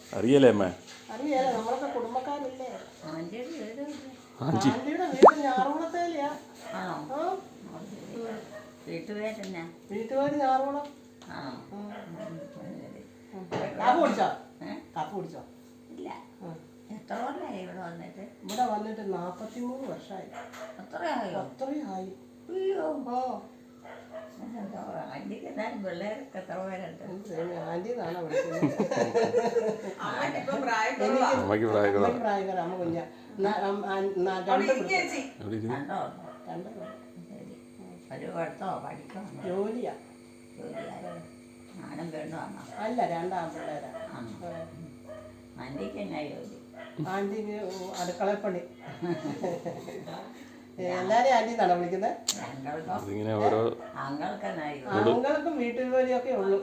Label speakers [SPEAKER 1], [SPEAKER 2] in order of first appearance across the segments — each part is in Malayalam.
[SPEAKER 1] അറിയല്ലേ അമ്മ?
[SPEAKER 2] അറിയാലോ, നമ്മളൊക്കെ കുടുംബക്കാരല്ലേ.
[SPEAKER 3] ആൻറ്റിയുടെ വീട്
[SPEAKER 2] ആന്റിയുടെ വീട് ഞാറുകുളത്തേലെയാ.
[SPEAKER 3] ആണോ?
[SPEAKER 2] ആ,
[SPEAKER 3] വീട്ടുപേരെന്നാ?
[SPEAKER 2] വീട്ടുകാര് ഞാറുകുളം.
[SPEAKER 3] ആണോ?
[SPEAKER 2] കാപ്പ് കുടിച്ചോ? കാപ്പ് കുടിച്ചോ?
[SPEAKER 3] ഇല്ല. എത്ര കൊല്ലമായി ഇവിടെ വന്നിട്ട്?
[SPEAKER 2] ഇവിടെ വന്നിട്ട് 43 വർഷമായി.
[SPEAKER 3] അത്രയായോ?
[SPEAKER 2] അത്രയും ആയി.
[SPEAKER 3] അയ്യോ.
[SPEAKER 2] ഓ,
[SPEAKER 3] ആൻറ്റിക്ക് എന്നാലും പിള്ളേരൊക്കെ എത്ര പേരുണ്ട്?
[SPEAKER 2] ആന്റി എന്നാണോ വിളിക്കുന്നത്?
[SPEAKER 3] ആൻറ്റി
[SPEAKER 1] അമ്മയ്ക്ക് പ്രായക്കുറവാ.
[SPEAKER 2] അമ്മയ്ക്ക് പ്രായക്കാരാ. അമ്മ കുഞ്ഞ
[SPEAKER 3] കണ്ടോ?
[SPEAKER 2] രണ്ട്
[SPEAKER 3] ഒരു പഠിത്തോ പഠിക്കോ?
[SPEAKER 2] ജോലിയാ.
[SPEAKER 3] ജോലിയായോ? ഞാനും പെണ്ണു വന്നോ?
[SPEAKER 2] അല്ല, രണ്ടാം പിള്ളേരാ.
[SPEAKER 3] ആൻറ്റിക്ക് എന്നാ ജോലി?
[SPEAKER 2] ആന്റിക്ക് അടുക്കളപ്പണി. എല്ലാരെയും ആന്റി എന്നാണോ വിളിക്കുന്നത്?
[SPEAKER 1] അതിങ്ങനെ ഓരോ
[SPEAKER 3] അങ്ങൾക്ക് എന്നാ ജോലി?
[SPEAKER 2] ആണുങ്ങൾക്കും വീട്ടു ജോലിയൊക്കെ ഉള്ളൂ.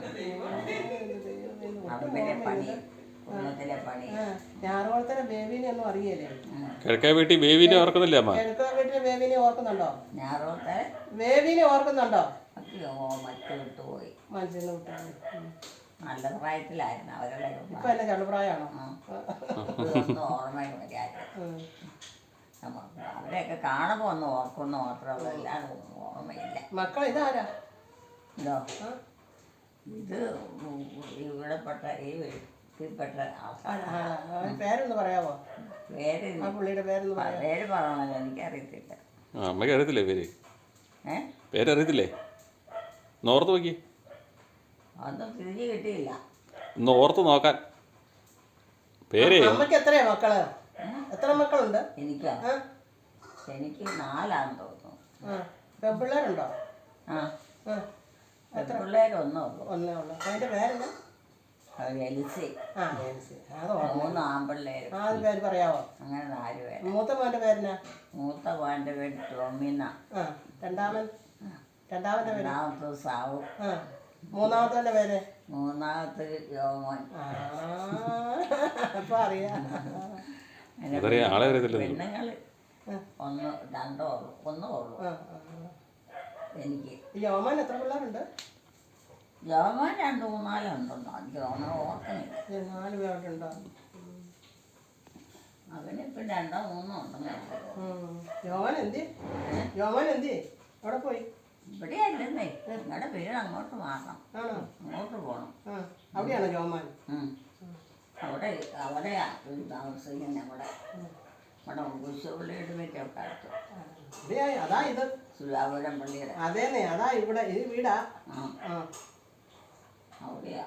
[SPEAKER 3] പറമ്പിലെ പണി, കുടുംബത്തിലെ പണി.
[SPEAKER 2] ഞാറുകുളത്തിലെ ബേബീനെ ഒന്നും അറിയല്ലേ?
[SPEAKER 1] കിഴക്കേ വീട്ടിൽ ബേബീനെ ഓർക്കുന്നില്ലേ അമ്മ?
[SPEAKER 2] കിഴക്കേ വീട്ടിലെ ബേബീനെ ഓർക്കുന്നുണ്ടോ?
[SPEAKER 3] ഞായറോത്തെ
[SPEAKER 2] ബേബീനെ ഓർക്കുന്നുണ്ടോ?
[SPEAKER 3] മറ്റു വിട്ടുപോയി.
[SPEAKER 2] മനസ്സിന് വിട്ടാണ്.
[SPEAKER 3] നല്ല പ്രായത്തിലായിരുന്നു അവരുടെ.
[SPEAKER 2] ഇപ്പൊ എന്നെ ചെറുപ്രായമാണോ?
[SPEAKER 3] ഇതൊന്നും ഓർമ്മയും വരായിരുന്നു. അവരെയൊക്കെ കാണുമ്പോൾ ഒന്ന് ഓർക്കുന്ന മാത്രമേ അല്ലാതെ ഓർമ്മയില്ല.
[SPEAKER 2] മക്കൾ ഇതാരാ?
[SPEAKER 3] ഇതോ ഇത് ഇവിടെപ്പെട്ട ഈ വീട്ടിൽപ്പെട്ട ആൾക്കാർ.
[SPEAKER 2] പേരൊന്ന് പറയാമോ?
[SPEAKER 3] പേര്
[SPEAKER 2] ആ പുള്ളിയുടെ പേരൊന്ന് പറയാമോ?
[SPEAKER 3] പേര് പറയണല്ലോ, എനിക്കറിയത്തില്ല.
[SPEAKER 1] അമ്മയ്ക്ക് അറിയത്തില്ലേ പേര്?
[SPEAKER 3] ഏ
[SPEAKER 1] പേരറിയത്തില്ലേ? ഒന്ന് ഓർത്ത് നോക്കി.
[SPEAKER 3] ഒന്നും തിരിഞ്ഞു കിട്ടിയില്ല.
[SPEAKER 1] ഒന്ന് ഓർത്ത് നോക്കാൻ പേര്.
[SPEAKER 2] അമ്മക്ക് എത്രയാ മക്കള്? എത്ര മക്കളുണ്ട്?
[SPEAKER 3] എനിക്കോ? എനിക്ക് 4 തോന്നുന്നു.
[SPEAKER 2] പെൺപിള്ളേരുണ്ടോ?
[SPEAKER 3] ആ,
[SPEAKER 2] എത്ര?
[SPEAKER 3] പിള്ളേരൊന്നേ ഉള്ളൂ.
[SPEAKER 2] ഒന്നേ ഉള്ളു. അതിന്റെ പേരെന്താ?
[SPEAKER 3] എലിസി.
[SPEAKER 2] ആ, അത്
[SPEAKER 3] 3 ആൺപിള്ളേരും.
[SPEAKER 2] ആ, അത് പേര് പറയാവോ?
[SPEAKER 3] അങ്ങനെ 4 പേര്.
[SPEAKER 2] മൂത്ത മോന്റെ പേരെന്നാ?
[SPEAKER 3] മൂത്ത മോൻ്റെ പേര് ടോമിന.
[SPEAKER 2] രണ്ടാമത്തെ പേര്?
[SPEAKER 3] രണ്ടാമത്തെ സാവു.
[SPEAKER 2] മൂന്നാമത്തെ പേര്?
[SPEAKER 3] മൂന്നാമത്തെ യോമോൻ.
[SPEAKER 2] അപ്പൊ അറിയാം.
[SPEAKER 3] പെണ്ണുങ്ങൾ 1 2 ഉള്ളൂ. 1 ഉള്ളൂ എനിക്ക്.
[SPEAKER 2] യോമാൻ എത്ര പിള്ളേരുണ്ട്?
[SPEAKER 3] യോമോൻ 2 3 4 ഉണ്ടെന്നോ എനിക്ക് തോന്നണ ഓർക്കണില്ല.
[SPEAKER 2] 4 പേരുണ്ടോ?
[SPEAKER 3] അവനിപ്പം 2 3 ഉണ്ടെന്ന്.
[SPEAKER 2] യോമാൻ എന്തി? യോമാൻ എന്തി? അവിടെ പോയി?
[SPEAKER 3] ഇവിടെ അല്ലെന്നേ, നിങ്ങളുടെ വീട് അങ്ങോട്ട് മാറണം. അങ്ങോട്ട് പോകണം.
[SPEAKER 2] അവിടെയാണോ യോമാൻ?
[SPEAKER 3] അവിടെ താമസിക്കുന്ന നമ്മുടെ കുശുപള്ളിയുടെ വീട്ടൊക്കെ അടുത്ത്.
[SPEAKER 2] അതാ ഇത്
[SPEAKER 3] സുലാപുരം പള്ളിയുടെ.
[SPEAKER 2] അതേന്നെ, അതാ ഇവിടെ ഈ വീടാ.
[SPEAKER 3] അവിടെയാ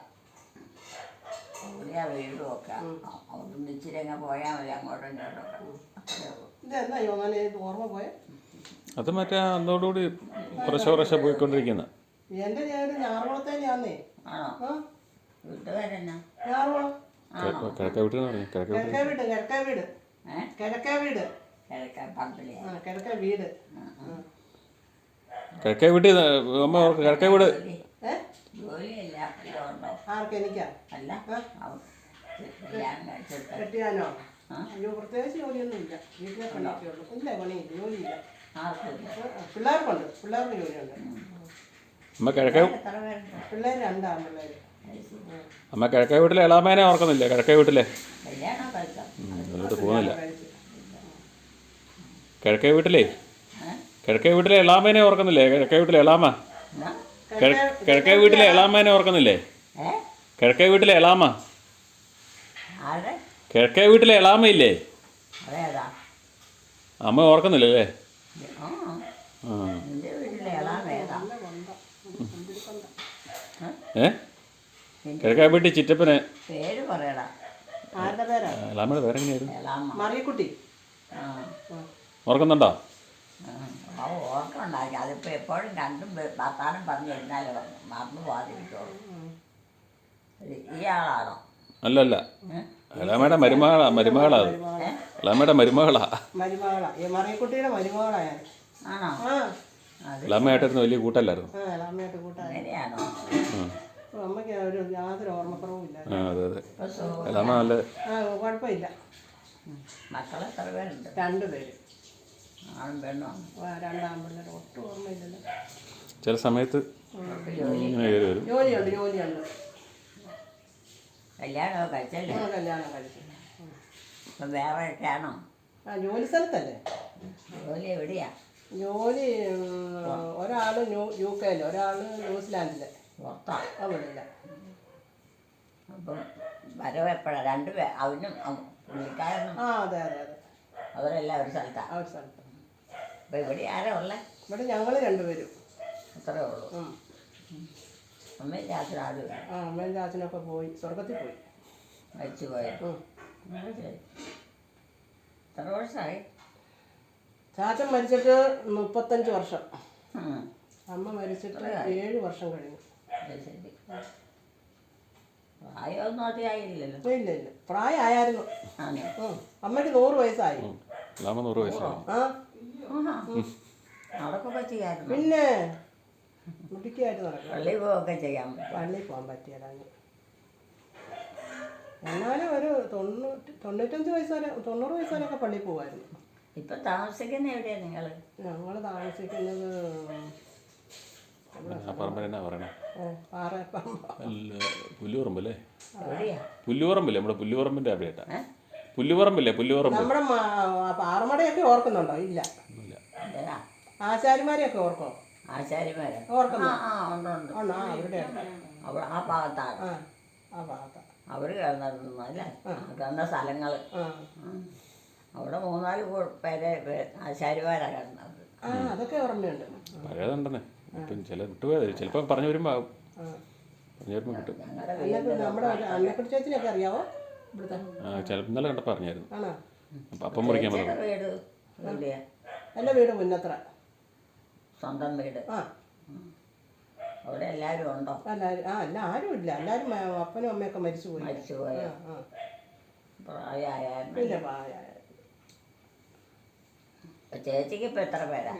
[SPEAKER 3] വീടും ഒക്കെ. അവിടെ ഇച്ചിരി അങ്ങ് പോയാൽ മതി, അങ്ങോട്ടും ഇങ്ങോട്ടൊക്കെ.
[SPEAKER 2] ഇതെന്നാ യോമാൻ ഓർമ്മ പോയെ?
[SPEAKER 1] അത് മറ്റേ അതോടുകൂടി കുറേശ്ശെ പോയിക്കൊണ്ടിരിക്കുന്ന.
[SPEAKER 2] എന്റെ ഞാറുകുളത്തേലാന്നേ.
[SPEAKER 3] ആണോ? വീട്ടുകാരെന്നാ?
[SPEAKER 2] ഞാറുകുളം.
[SPEAKER 1] കിഴക്കേ വീട്ടിൽ നിന്ന് പറഞ്ഞു.
[SPEAKER 2] കിഴക്കേ വീട്. കിഴക്കേ വീട്.
[SPEAKER 3] കിഴക്കേ
[SPEAKER 2] വീട്.
[SPEAKER 1] കിഴക്കേ വീട്ടിൽ അമ്മ ഓർക്ക്. കിഴക്കേ വീട്
[SPEAKER 3] ജോലിയല്ല ഉണ്ടോ?
[SPEAKER 2] ആർക്ക്? എനിക്കാ?
[SPEAKER 3] അല്ല,
[SPEAKER 2] കെട്ടിയാനോ? അയ്യോ, പ്രത്യേകിച്ച് ജോലിയൊന്നും ഇല്ല. വീട്ടിലെ പണിയൊക്കെ ഉള്ളു. ഇല്ല, പണിയില്ല, ജോലിയില്ല. പിള്ളേർക്കുണ്ട്. പിള്ളേർക്ക് ജോലിയുണ്ട്.
[SPEAKER 1] അമ്മ കിഴക്കേ
[SPEAKER 2] പിള്ളേർ 2 ആൺപിള്ളേര്.
[SPEAKER 1] അമ്മ കിഴക്കേ വീട്ടിലെ എളാമേനെ ഓർക്കുന്നില്ലേ? കിഴക്കേ വീട്ടിലെ അതിലോട്ട് പോകുന്നില്ല. കിഴക്കേ വീട്ടിലെ എളാമേനെ ഓർക്കുന്നില്ലേ? കിഴക്കേ വീട്ടിലെ എളാമ. കിഴക്കേ വീട്ടിലെ എളാമേനെ ഓർക്കുന്നില്ലേ? കിഴക്കേ വീട്ടിലെ എളാമ. കിഴക്കേ വീട്ടിലെ എളാമയില്ലേ? അമ്മ ഓർക്കുന്നില്ലല്ലേ? കിഴക്കേ വീട്ടിൽ ചിറ്റപ്പനെ
[SPEAKER 3] പേര് പറയടാ.
[SPEAKER 1] എളാമയുടെ പേരെങ്ങനെയായിരുന്നു?
[SPEAKER 2] മറിയക്കുട്ടി.
[SPEAKER 1] ഓർക്കുന്നുണ്ടോ?
[SPEAKER 3] ഓർക്കുണ്ടാക്കി. അതിപ്പോൾ എപ്പോഴും കണ്ടും വർത്താനം പറഞ്ഞിരുന്നാലേ മറന്നു പോകാതിരിക്കുള്ളൂ. ഈ ആളാണോ?
[SPEAKER 1] അല്ലല്ല, എളാമയുടെ മരുമകളാ. എളാമയുടെ മരുമകളാ.
[SPEAKER 2] മറിയക്കുട്ടിയുടെ മരുമകളാ ഞാൻ.
[SPEAKER 3] ആണോ?
[SPEAKER 1] എളാമയായിട്ടിരുന്ന് വലിയ കൂട്ടല്ലായിരുന്നു.
[SPEAKER 3] അങ്ങനെയാണോ?
[SPEAKER 2] അമ്മയ്ക്ക് യാതൊരു ഓർമ്മക്കുറവും ഇല്ല.
[SPEAKER 1] അതെ അതെ. എളാമ നല്ല
[SPEAKER 2] കുഴപ്പമില്ല.
[SPEAKER 3] മക്കളെ എത്ര പേരുണ്ട്?
[SPEAKER 2] 2 പേര്.
[SPEAKER 3] ആണും പെണ്ണും.
[SPEAKER 2] 2 ആൺപിള്ളേർ. ഒട്ടും ഓർമ്മയില്ലല്ലോ.
[SPEAKER 1] ചില സമയത്ത്
[SPEAKER 2] ജോലിയുണ്ട്.
[SPEAKER 3] കല്യാണമൊക്കെ കഴിച്ചല്ലേ?
[SPEAKER 2] കല്യാണം കഴിച്ചു.
[SPEAKER 3] ഇപ്പം വേറെ ഒക്കെയാണോ?
[SPEAKER 2] ആ ജോലി സ്ഥലത്തല്ലേ?
[SPEAKER 3] ജോലി എവിടെയാ?
[SPEAKER 2] ജോലി ഒരാൾ UK, ഒരാൾ ന്യൂസിലാൻഡിൽ.
[SPEAKER 3] പുറത്താ?
[SPEAKER 2] അവിടെയില്ല.
[SPEAKER 3] അപ്പം വരവ് എപ്പോഴാണ്? അവനും പുള്ളിക്കാരനും?
[SPEAKER 2] ആ അതെ അതെ അതെ,
[SPEAKER 3] അവരെല്ലാം ഒരു സ്ഥലത്താണ്.
[SPEAKER 2] ആ ഒരു സ്ഥലത്ത്.
[SPEAKER 3] അപ്പം ഇവിടെ ആരാ ഉള്ളത്?
[SPEAKER 2] ഇവിടെ ഞങ്ങൾ രണ്ടുപേരും.
[SPEAKER 3] അത്രേ ഉള്ളൂ. അമ്മയും ചാച്ചനും ആരുമില്ല?
[SPEAKER 2] ആ അമ്മയും ചാച്ചനൊക്കെ പോയി, സ്വർഗത്തിൽ പോയി.
[SPEAKER 3] മരിച്ചു പോയി. ശരി. എത്ര വർഷമായി?
[SPEAKER 2] ചാച്ചൻ മരിച്ചിട്ട് 35 വർഷം.
[SPEAKER 3] ഉം.
[SPEAKER 2] അമ്മ മരിച്ചിട്ട് 7 വർഷം കഴിഞ്ഞു.
[SPEAKER 3] അത് ശരി. പ്രായമൊന്നും അധികമായില്ലല്ലോ?
[SPEAKER 2] ഇല്ല ഇല്ല, പ്രായമായിരുന്നു.
[SPEAKER 3] ആണോ?
[SPEAKER 2] അമ്മയ്ക്ക് 100 വയസ്സായി.
[SPEAKER 1] 100 വയസ്സായി.
[SPEAKER 2] ആ
[SPEAKER 3] നടക്കൊക്കെ ചെയ്യാറുണ്ട്?
[SPEAKER 2] പിന്നെ മുടിക്കായിട്ട് നടക്കും.
[SPEAKER 3] പള്ളി പോവുകയൊക്കെ ചെയ്യാൻ പറ്റും?
[SPEAKER 2] പള്ളിയിൽ പോകാൻ പറ്റിയതാണ്. എന്നാലും ഒരു 95 വയസ്സ് വരെ, 90 വയസ്സ് വരെയൊക്കെ പള്ളിയിൽ പോകുമായിരുന്നു.
[SPEAKER 3] ഇപ്പം താമസിക്കുന്ന എവിടെയാണ് നിങ്ങൾ?
[SPEAKER 2] ഞങ്ങൾ താമസിക്കുന്നത്
[SPEAKER 1] പുല്ലുപറമ്പല്ലേ?
[SPEAKER 3] എവിടെയാ?
[SPEAKER 1] പുല്ലുപറമ്പില്ലേ? നമ്മുടെ പുല്ലുപറമ്പിൻ്റെ അവിടെയായിട്ടാ. പുല്ലുപറമ്പില്ലേ? പുല്ലുപറമ്പ്.
[SPEAKER 2] നമ്മുടെ പാറമടയൊക്കെ ഓർക്കുന്നുണ്ടോ? ഇല്ല.
[SPEAKER 3] എന്തിനാ?
[SPEAKER 2] ആശാരിമാരെയൊക്കെ ഓർക്കോ?
[SPEAKER 3] ആശാരിമാരോ?
[SPEAKER 2] ഓർക്കുന്നു.
[SPEAKER 3] ആ ഉണ്ട് ഉണ്ട്.
[SPEAKER 2] ആണോ? ആ അവരുടെ
[SPEAKER 3] അവിടെ ആ ഭാഗത്താണ്.
[SPEAKER 2] ആ ഭാഗത്താണ്
[SPEAKER 3] അവർ കിടന്നിരുന്നു അല്ലേ? കിടന്ന സ്ഥലങ്ങൾ. അവിടെ 3-4 പേരെ ആശാരിമാരാണ് കിടന്നത്.
[SPEAKER 2] ആ അതൊക്കെ ഓർമ്മയുണ്ട്.
[SPEAKER 1] പഴയതുണ്ടെന്നേ. ഇപ്പം ചില വിട്ടുപോയത് ചിലപ്പോൾ പറഞ്ഞു വരുമ്പോൾ ആവും. പറഞ്ഞു വരുമ്പോൾ കിട്ടും.
[SPEAKER 2] നമ്മുടെ അന്നക്കുട്ടി ചേച്ചിനെയൊക്കെ അറിയാവോ? ഇവിടുത്തെ
[SPEAKER 1] ചിലപ്പോൾ ഇന്നലെ കണ്ടപ്പോൾ പറഞ്ഞായിരുന്നു.
[SPEAKER 2] ആണോ?
[SPEAKER 1] അപ്പം മുറിക്കാൻ
[SPEAKER 3] വീട് എവിടെയാ?
[SPEAKER 2] എൻ്റെ വീട് മുന്നത്ര.
[SPEAKER 3] സ്വന്തം വീട്?
[SPEAKER 2] ആ.
[SPEAKER 3] അവിടെ എല്ലാവരും ഉണ്ടോ?
[SPEAKER 2] എല്ലാവരും ആരും ഇല്ല. എല്ലാവരും അപ്പനും അമ്മയൊക്കെ മരിച്ചുപോയി.
[SPEAKER 3] മരിച്ചുപോയോ? പ്രായമായിരുന്നു?
[SPEAKER 2] ഇല്ല, പ്രായമായ.
[SPEAKER 3] ചേച്ചിക്ക് ഇപ്പം എത്ര പേരാ?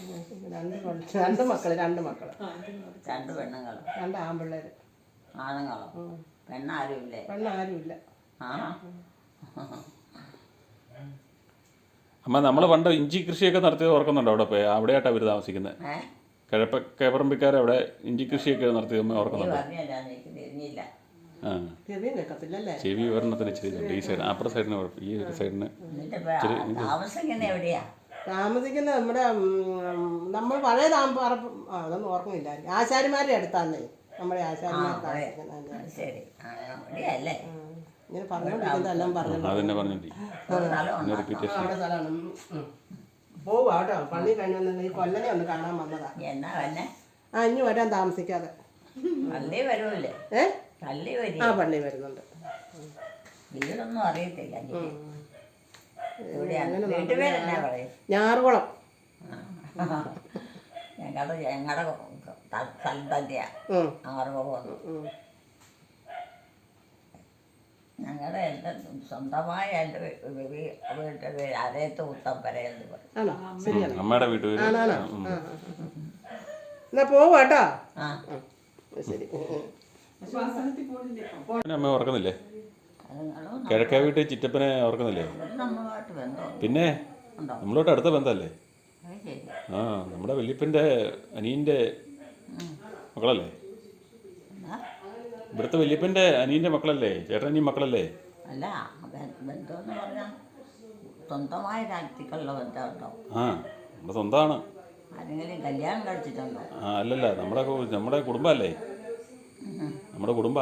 [SPEAKER 2] 2 മക്കള്. 2
[SPEAKER 3] പെണ്ണുങ്ങൾ?
[SPEAKER 2] 2 ആൺപിള്ളേർ.
[SPEAKER 3] ആണുങ്ങളോ? പെണ്ണാരും ഇല്ലേ?
[SPEAKER 2] പെണ്ണാരും ഇല്ല.
[SPEAKER 3] ആ.
[SPEAKER 1] അമ്മ നമ്മൾ പണ്ട് ഇഞ്ചി കൃഷിയൊക്കെ നടത്തിയത് ഓർക്കുന്നുണ്ടോ? അവിടെ പോയി അവിടെയായിട്ടാണ് അവർ താമസിക്കുന്നത്. കിഴപ്പറമ്പിക്കാരവിടെ ഇഞ്ചി കൃഷിയൊക്കെ നടത്തിയത് അമ്മ ഓർക്കുന്നുണ്ടോ?
[SPEAKER 3] തിരിഞ്ഞില്ല.
[SPEAKER 1] ആ ചെവി ഒരെണ്ണത്തിന് ഇച്ചിരി ഈ സൈഡ്, അപ്പുറ സൈഡിന് കുഴപ്പം. ഈ ഒരു സൈഡിന്
[SPEAKER 3] താമസിക്കുന്ന എവിടെയാ?
[SPEAKER 2] താമസിക്കുന്നത് നമ്മൾ പഴയ അതൊന്നും ഓർക്കുന്നില്ല. ആശാരിമാരുടെ അടുത്താന്നേ നമ്മുടെ ആശാരിമാർ താമസിക്കുന്നത്.
[SPEAKER 3] ശരി, അവിടെയല്ലേ?
[SPEAKER 2] ഇങ്ങനെ പറഞ്ഞോണ്ടിരിക്കുന്നതെല്ലാം
[SPEAKER 1] അതന്നെ പറഞ്ഞിട്ട്
[SPEAKER 2] അവിടെ സ്ഥലമാണ്. പോവാ കേട്ടോ. പള്ളി കഴിഞ്ഞ ഈ കൊല്ലനെ ഒന്ന് കാണാൻ വന്നതാ.
[SPEAKER 3] എന്നാ വന്നെ?
[SPEAKER 2] ഇനി വരാൻ താമസിക്കാതെ.
[SPEAKER 3] പള്ളി വരുമല്ലേ? പള്ളി വരും.
[SPEAKER 2] പള്ളി വരുന്നുണ്ട്.
[SPEAKER 3] വീടൊന്നും അറിയത്തില്ല. വീട്ടുപേരെന്നാ പറയും?
[SPEAKER 2] ഞാറുകുളം.
[SPEAKER 3] ഞങ്ങളുടെ സ്ഥലം തന്നെയാ ആറുകുളം. ഞങ്ങളുടെ എൻ്റെ സ്വന്തമായ എൻ്റെ വീട്ടിൻ്റെ പേര് അരയത്ത് ഉത്തമ്പര എന്ന് പറയും.
[SPEAKER 1] അമ്മയുടെ വീട്ടിൽ.
[SPEAKER 2] എന്നാ പോവാട്ടോ. ശരി.
[SPEAKER 1] അമ്മ ഓർക്കുന്നില്ലേ? കിഴക്കേ വീട്ടിൽ ചിറ്റപ്പനെ ഓർക്കുന്നില്ലേ? പിന്നെ നമ്മളോട്ട് അടുത്ത ബന്ധമല്ലേ? ആ നമ്മുടെ വല്യപ്പൻ്റെ അനിയൻ്റെ മക്കളല്ലേ? ഇവിടുത്തെ വല്യപ്പൻ്റെ അനിയൻ്റെ മക്കളല്ലേ? ചേട്ടനീ മക്കളല്ലേ?
[SPEAKER 3] അല്ല, ബന്ധമെന്ന് പറഞ്ഞാൽ സ്വന്തമായ രാജ്യത്തേക്കുള്ള ബന്ധമുണ്ടോ?
[SPEAKER 1] ആ നമ്മുടെ സ്വന്തമാണ്.
[SPEAKER 3] ആരെങ്കിലും കല്യാണം കഴിച്ചിട്ടുണ്ടോ?
[SPEAKER 1] അല്ലല്ല, നമ്മുടെ കുടുംബമല്ലേ? നമ്മുടെ കുടുംബ.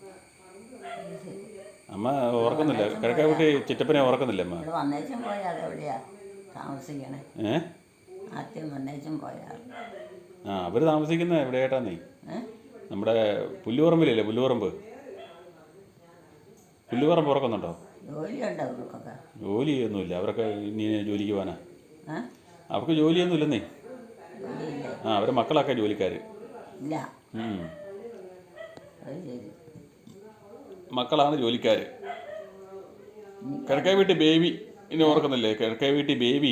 [SPEAKER 1] അമ്മ ഓർക്കുന്നില്ല? കിഴക്കേ വീട്ടിൽ ചിറ്റപ്പനെ ഓർക്കുന്നില്ലേ അമ്മ?
[SPEAKER 3] വന്നേച്ചും പോയാൽ അതെവിടെയാ താമസിക്കണേ? ആദ്യം വന്നേച്ചും പോയാൽ.
[SPEAKER 1] അവർ താമസിക്കുന്ന എവിടെയായിട്ടാന്നേ? നമ്മുടെ പുല്ലുപറമ്പിലല്ലേ? പുല്ലുപറമ്പ് ഓർക്കുന്നുണ്ടോ?
[SPEAKER 3] ജോലിയുണ്ടോ അവർക്കൊക്കെ?
[SPEAKER 1] ജോലിയൊന്നുമില്ല. അവരൊക്കെ ഇനി ജോലിക്ക് പോകാനാ. അവർക്ക് ജോലിയൊന്നും ഇല്ലെന്നേ. അവരെ മക്കളൊക്കെ ജോലിക്കാർ.
[SPEAKER 3] ഇല്ല.
[SPEAKER 1] മക്കളാണ് ജോലിക്കാർ. കിഴക്കേ വീട്ടിൽ ബേബി ഇനി ഓർക്കുന്നില്ലേ? കിഴക്കേ വീട്ടിൽ ബേബി.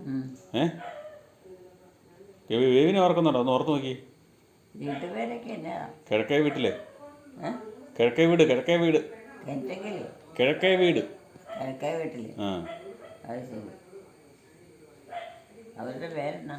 [SPEAKER 1] ബേബിനെ ഓർക്കുന്നുണ്ടോ? ഒന്ന് ഓർത്ത് നോക്കി. കിഴക്കേ വീട്ടിലെ കിഴക്കേ വീട്. കിഴക്കേ വീട്.
[SPEAKER 3] അവരുടെ പേരെന്നാ?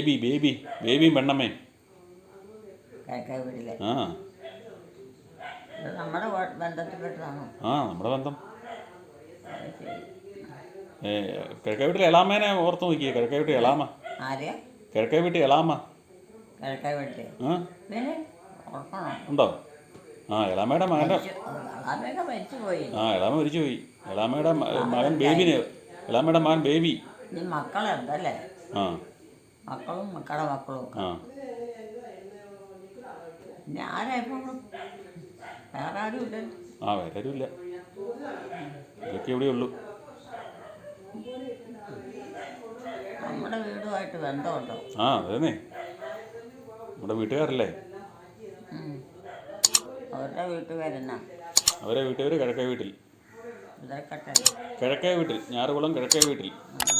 [SPEAKER 1] ബേബി പെണ്ണമ്മേ.
[SPEAKER 3] ഇത് നമ്മുടെ ബന്ധത്തിൽപ്പെട്ടതാണോ?
[SPEAKER 1] ആ നമ്മുടെ ബന്ധം.
[SPEAKER 3] അത് ശരി.
[SPEAKER 1] കിഴക്കേ വീട്ടിലെ എളാമേനെ ഓർത്ത് നോക്കിയേ. കിഴക്കേ വീട്ടിൽ എളാമ.
[SPEAKER 3] ആരെയാ?
[SPEAKER 1] കിഴക്കേ വീട്ടിൽ എളാമ.
[SPEAKER 3] കിഴക്കേ വീട്ടിൽ
[SPEAKER 1] ആ
[SPEAKER 3] പിന്നെ ഓർക്കണോ?
[SPEAKER 1] ഉണ്ടോ? ആ എളാമയുടെ മകൻ്റെ.
[SPEAKER 3] അതൊക്കെ മരിച്ചു പോയി.
[SPEAKER 1] ആ എളാമ മരിച്ചു പോയി. എളാമയുടെ മകൻ ബേബിന്. എളാമയുടെ മകൻ ബേബി.
[SPEAKER 3] ഇനി മക്കളുണ്ടല്ലേ?
[SPEAKER 1] ആ
[SPEAKER 3] മക്കളും മക്കളുടെ മക്കളും ഒക്കെ.
[SPEAKER 1] ആ
[SPEAKER 3] പിന്നെ ആരാ ഇപ്പം? വേറെ ആരും ഇല്ലല്ലോ.
[SPEAKER 1] ആ വേറെ ആരുമില്ല. ഇതൊക്കെ ഇവിടെ ഉള്ളൂ.
[SPEAKER 3] നമ്മുടെ വീടുമായിട്ട് ബന്ധമുണ്ടോ?
[SPEAKER 1] ആ അതേന്നേ, നമ്മുടെ വീട്ടുകാരല്ലേ.
[SPEAKER 3] അവരുടെ വീട്ടുകാരെന്നാ?
[SPEAKER 1] അവരെ വീട്ടുകാർ കിഴക്കേ വീട്ടിൽ.
[SPEAKER 3] ഇതൊക്കെ
[SPEAKER 1] കിഴക്കേ വീട്ടിൽ, ഞാറുകുളം കിഴക്കേ വീട്ടിൽ.
[SPEAKER 3] ആ